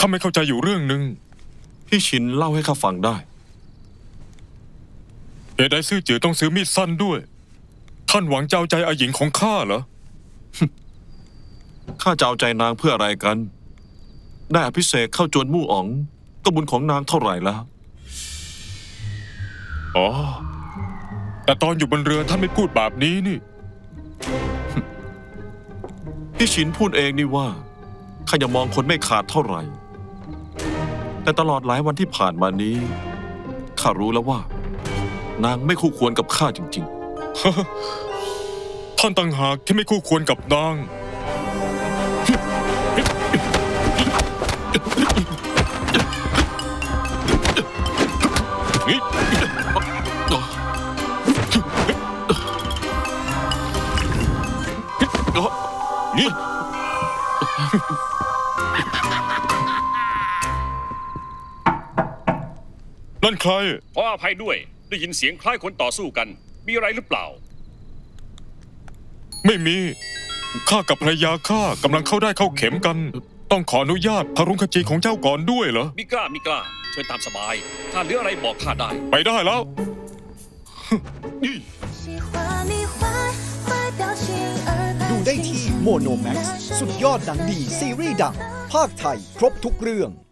าไม่เข้าใจอยู่เรื่องหนึ่งพี่ชินเล่าให้ข้าฟังได้เหตุใดซื่อจือต้องซื้อมีดสั้นด้วยท่านหวังจะเอาใจอาหญิงของข้าเหรอข้าจะเอาใจนางเพื่ออะไรกัน ได้อภิเษกเข้าจวนมู่อ๋องก็บุญของนางเท่าไหร่แล้วอ๋อแต่ตอนอยู่บนเรือท่านไม่พูดแบบนี้นี่พี่ชินพูดเองนี่ว่าข้ายังมองคนไม่ขาดเท่าไหร่ แต่ตลอดหลายวันที่ผ่านมานี้ข้ารู้แล้วว่า นางไม่คู่ควรกับข้าจริงท่านต่างหากที่ไม่คู่ควรกับนางนี่นี่ นั่นใครขออภัยด้วยได้ยินเสียงคล้ายคนต่อสู้กัน มีอะไรหรือเปล่าไม่มี ข้ากับภรรยาข้ากำลังเข้าได้เข้าเข็มกัน ต้องขออนุญาตพระรุงขจีของเจ้าก่อนด้วยเหรอมิกล้าเชิญตามสบาย ถ้าเหลืออะไรบอกข้าได้ไปได้แล้วดูได้ที่โมโนแม็กซ์สุดยอดหนังดีซีรีส์ดังภาคไทยครบทุกเรื่อง